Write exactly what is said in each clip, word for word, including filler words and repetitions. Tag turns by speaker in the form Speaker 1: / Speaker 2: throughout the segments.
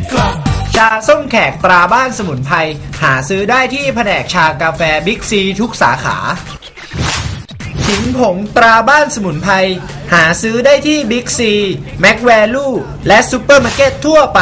Speaker 1: ชาส้มแขกตราบ้านสมุนไพรหาซื้อได้ที่แผนกชากาแฟบิ๊กซีทุกสาขาขิงผงตราบ้านสมุนไพรหาซื้อได้ที่บิ๊กซีแม็กแวลูและซุปเปอร์มาร์เก็ตทั่วไป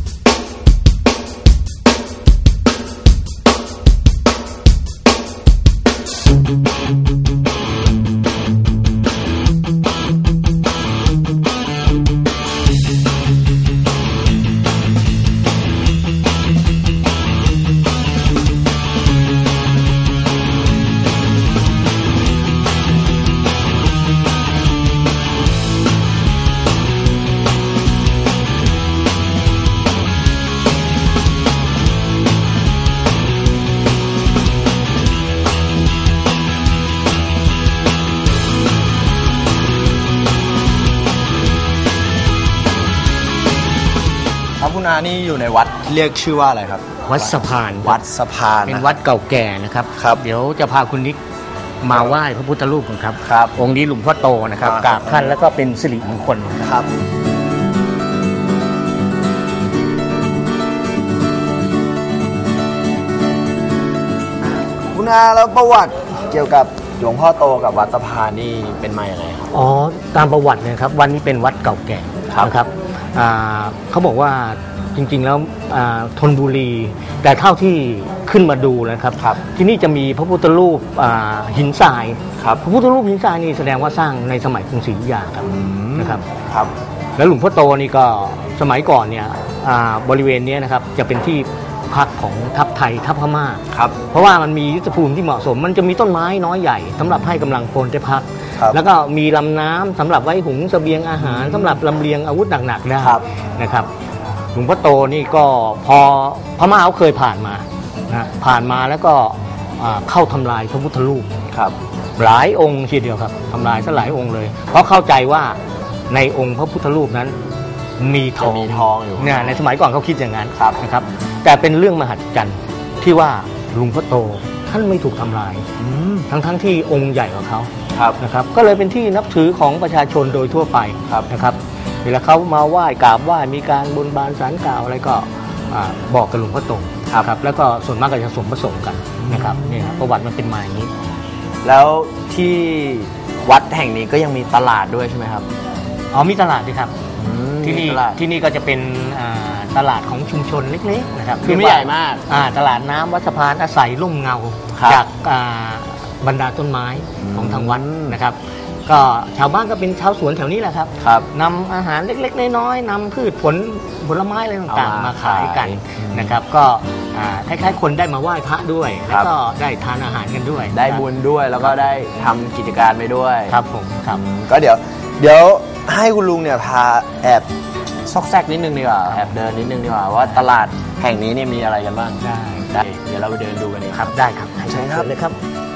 Speaker 2: คุณอานี่อยู่ในวัดเรียกชื่อว่าอะไรครับ
Speaker 3: วัดสะพาน
Speaker 2: วัดสะพาน
Speaker 3: เป็นวัดเก่าแก่นะครับ
Speaker 2: ครับ
Speaker 3: เดี๋ยวจะพาคุณนิกมาไหว้พระพุทธรูปกันครับ
Speaker 2: ครับ
Speaker 3: องค์นี้หลวงพ่อโตนะครับกราบท่านแล้วก็เป็นสิริมงคล
Speaker 2: ครับคุณอาแล้วประวัติเกี่ยวกับหลวงพ่อโตกับวัดสะพานนี่เป็นมาอย่างไรครับ
Speaker 3: อ๋อตามประวัตินะครับวันนี้เป็นวัดเก่าแก่นะครับเขาบอกว่าจริงๆแล้วธนบุรีแต่เท่าที่ขึ้นมาดูนะครับที่นี่จะมีพระพุทธรูปหินทรายพระพุทธรูปหินทรายนี่แสดงว่าสร้างในสมัยกรุงศรีอยุธยาครับนะครับแล้วหลวงพ่อโตนี่ก็สมัยก่อนเนี่ยบริเวณนี้นะครับจะเป็นที่พักของทัพไทยทัพพม่าเพราะว่ามันมียุทธภูมิที่เหมาะสมมันจะมีต้นไม้น้อยใหญ่สำหรับให้กำลังพลได้พักแล้วก็มีลำน้ำสำหรับไว้หุงเสบียงอาหารสำหรับลำเลียงอาวุธหนักๆได้นะครับหลวงพ่อโตนี่ก็พอพม่าเขาเคยผ่านมานะผ่านมาแล้วก็เข้าทำลายพระพุทธรูปหลายองค์ทีเดียวครับทำลายซะหลายองค์เลยเพราะเข้าใจว่าในองค์พระพุทธรูปนั้นมีทอง
Speaker 2: มีทองอยู่
Speaker 3: เนี่ยในสมัยก่อนเขาคิดอย่างนั้นนะครับแต่เป็นเรื่องมหัศจรรย์ที่ว่าหลวงพ่อโตท่านไม่ถูกทำลายทั้งๆที่องค์ใหญ่กว่าเขานะครับก็เลยเป็นที่นับถือของประชาชนโดยทั่วไปนะครับเวลาเขามาไหว้กราบไหว้มีการบนบานศาลกล่าวอะไรก็บอกกับหลวงพ่อโตครับแล้วก็ส่วนมากก็จะสมประสงค์กันนะครับนี่ครับประวัติมันเป็นมาอย่างนี้
Speaker 2: แล้วที่วัดแห่งนี้ก็ยังมีตลาดด้วยใช่ไหมครับ
Speaker 3: อ๋อมีตลาดด้วยครับที่นี่ที่นี่ก็จะเป็นตลาดของชุมชนเล็กๆนะครับ
Speaker 2: คือไม่ใหญ่มาก
Speaker 3: ตลาดน้ำวัดสะพานอาศัยร่มเงาจากบรรดาต้นไม้ของทางวัดนะครับก็ชาวบ้านก็เป็นชาวสวนแถวนี้แหละครับนำอาหารเล็กๆน้อยๆนำพืชผลผลไม้อะไรต่างๆมาขายกันนะครับก็คล้ายๆคนได้มาไหว้พระด้วยแล้วก็ได้ทานอาหารกันด้วย
Speaker 2: ได้บุญด้วยแล้วก็ได้ทำกิจการไปด้วย
Speaker 3: ครับผมครับ
Speaker 2: ก็เดี๋ยวเดี๋ยวให้คุณลุงเนี่ยพาแอบซอกแซกนิดนึงดีกว่าแอบเดินนิดนึงดีกว่าว่าตลาดแห่งนี้เนี่ยมีอะไรกันบ้าง
Speaker 3: ได้
Speaker 2: ได้เดี๋ยวเราไปเดินดูกัน
Speaker 3: ครับได้ครับใช่ครับเลยครับ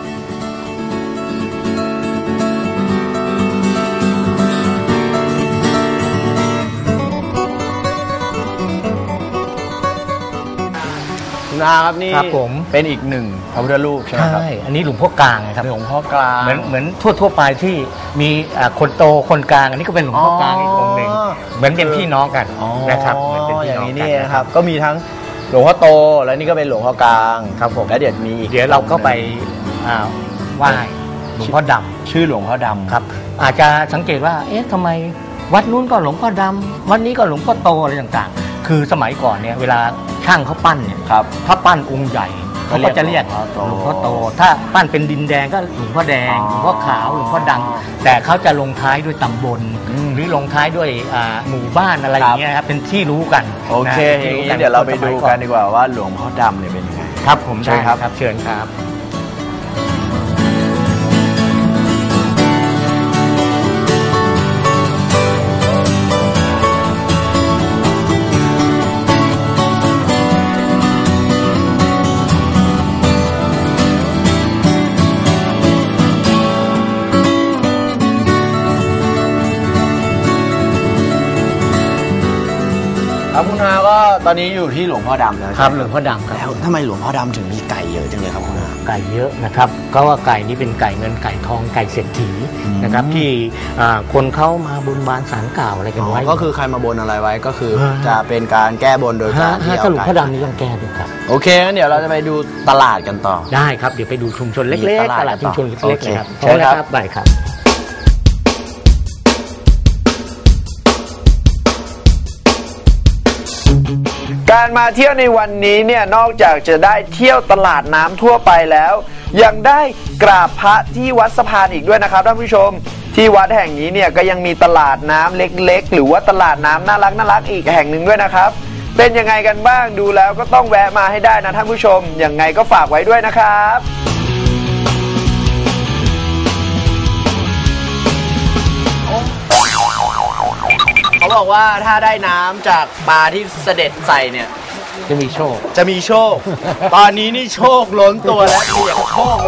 Speaker 2: คุณอาครับนี่เป็นอีกหนึ่งพระพุทธรูปใช่ไหมครับ
Speaker 3: ใช่อันนี้หลวงพ่อกลางนะครับ
Speaker 2: หลวงพ่อกลาง
Speaker 3: เหมือนเหมือนทั่วทั่วไปที่มีคนโตคนกลางอันนี้ก็เป็นหลวงพ่อกลางอีกองค์หนึ่งเหมือนเป็นพี่น้องกันนะครับเหมือนเป็นพี่น้องกัน
Speaker 2: นะครับก็มีทั้งหลวงพ่อโตแล้วนี่ก็เป็นหลวงพ่อกลาง
Speaker 3: ครับผม
Speaker 2: แล้วเดี๋ยวมี
Speaker 3: เดี๋ยวเราก็ไปไหว้หลวงพ่อดำ
Speaker 2: ชื่อหลวงพ่อดำ
Speaker 3: ครับอาจจะสังเกตว่าเอ๊ะทำไมวัดนู้นก็หลวงพ่อดำวัดนี้ก็หลวงพ่อโตอะไรต่างๆคือสมัยก่อนเนี่ยเวลาช่างเขาปั้นเนี่ยถ้าปั้นองค์ใหญ่เขาก็จะเรียกหลวงพ่อโตถ้าปั้นเป็นดินแดงก็หลวงพ่อแดงหลวงพ่อขาวหลวงพ่อดำแต่เขาจะลงท้ายด้วยตำบลหรือลงท้ายด้วยหมู่บ้านอะไรอย่างเงี้ยครับเป็นที่รู้กัน
Speaker 2: โอเคอย่างนี้เดี๋ยวเราไปดูกันดีกว่าว่าหลวงพ่อดำเนี่ยเป็นยังไง
Speaker 3: ครับผมใช่ครับเชิญครับ
Speaker 2: ครับคุณอาก็ตอนนี้อยู่ที่หลวงพ่อดำแล้ว
Speaker 3: ครับหลวงพ่อดำครับ
Speaker 2: แล้วทำไมหลวงพ่อดำถึงมีไก่เยอะจังเลยครับคุณอา
Speaker 3: ไก่เยอะนะครับก็ว่าไก่นี้เป็นไก่เงินไก่ทองไก่เศรษฐีนะครับที่อ่าคนเข้ามาบนบานสารกล่าวอะไรกันไว้
Speaker 2: ก็คือใครมาบนอะไรไว้ก็คือ
Speaker 3: ฮะ
Speaker 2: จะเป็นการแก้บนโดยการที่
Speaker 3: ถ้า
Speaker 2: เอา
Speaker 3: หลวง
Speaker 2: ไก่
Speaker 3: พ่อดำนี่ต้องแก้ด้วยครับ
Speaker 2: โอเคงั้นเดี๋ยวเราจะไปดูตลาดกันต่อ
Speaker 3: ได้ครับเดี๋ยวไปดูชุมชนเล็ก
Speaker 2: มี
Speaker 3: ๆ
Speaker 2: ตลาด
Speaker 3: ตลาดชุมชน
Speaker 2: โอ
Speaker 3: เล็ก
Speaker 2: เค
Speaker 3: ๆเลยครับ
Speaker 2: เชิญครับ
Speaker 3: ได้ครับ
Speaker 1: การมาเที่ยวในวันนี้เนี่ยนอกจากจะได้เที่ยวตลาดน้ำทั่วไปแล้ว ยังได้กราบพระที่วัดสะพานอีกด้วยนะครับท่านผู้ชมที่วัดแห่งนี้เนี่ยก็ยังมีตลาดน้ำเล็กๆหรือว่าตลาดน้ำน่ารักน่ารักอีกแห่งหนึ่งด้วยนะครับเป็นยังไงกันบ้างดูแล้วก็ต้องแวะมาให้ได้นะท่านผู้ชมยังไงก็ฝากไว้ด้วยนะครับเขาบอกว่าถ้าได้น้ำจากปลาที่เสด็จใส่เนี่ย
Speaker 3: จะมีโชค
Speaker 1: จะมีโชค ตอนนี้นี่โชคล้นตัวแล้วเปียกโชคเลย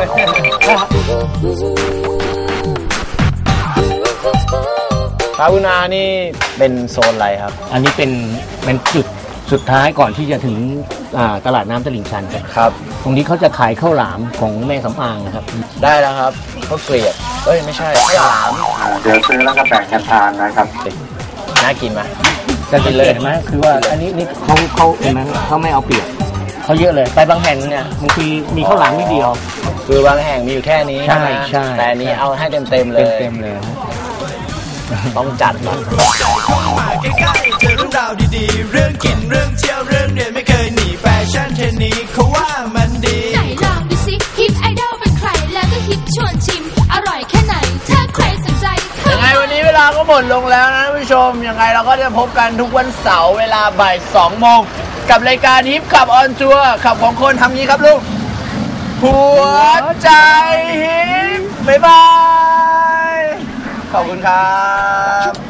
Speaker 2: ครับคุณอานี่เป็นโซนอะไรครับ
Speaker 3: อันนี้เป็นเป็นจุดสุดท้ายก่อนที่จะถึงอ่าตลาดน้ำตลิ่งชันครับ
Speaker 2: ครับ
Speaker 3: ตรงนี้เขาจะขายข้าวหลามของแม่สำอางนะครับ
Speaker 2: ได้แล้วครับข้าวเกลียบเอ้ยไม่ใช่ข้าวหลาม
Speaker 4: เดี๋ยวซื้อแล้วก็แบ่งกันทานนะครับ
Speaker 2: น่ากินไหม
Speaker 3: จะกินเลยเห็นไหมคือว่าอันนี้นี่เขาเขาเห็นไหมเขาไม่เอาเปรียบเขาเยอะเลยไปบางแห่งเนี่ยบางทีมีข้าวหลามนิดเดียว
Speaker 2: คือบางแห่งมีอยู่แค่นี้
Speaker 3: ใช่
Speaker 2: ไหม
Speaker 3: ใช่
Speaker 2: แต่อันนี้เอาให้เต็มเต็มๆเลย
Speaker 3: เต็มๆเลย
Speaker 2: ต้องจัดหน่อย
Speaker 5: ใกล้ๆเจอเรื่องราวดีๆ เรื่องกินเรื่องเที่ยวเรื่องเรียนไม่เคยหนีแฟชั่นเทรนนี้เขาว่ามันดี
Speaker 6: ไหนลองดูสิฮิปไอดอลเป็นใครแล้วก็ฮิปชวนชิม อร่อยแค่ไหนถ้าใครสนใจเข้า
Speaker 1: ยังไงวันนี้เวลาก็หมดลงแล้วนะท่านผู้ชมยังไงเราก็จะพบกันทุกวันเสาร์เวลาบ่ายสองโมงกับรายการฮิปขับออนทัวร์ขับของคนทำนี้ครับลูกหัวใจฮิปบ๊ายบายขอบคุณครับ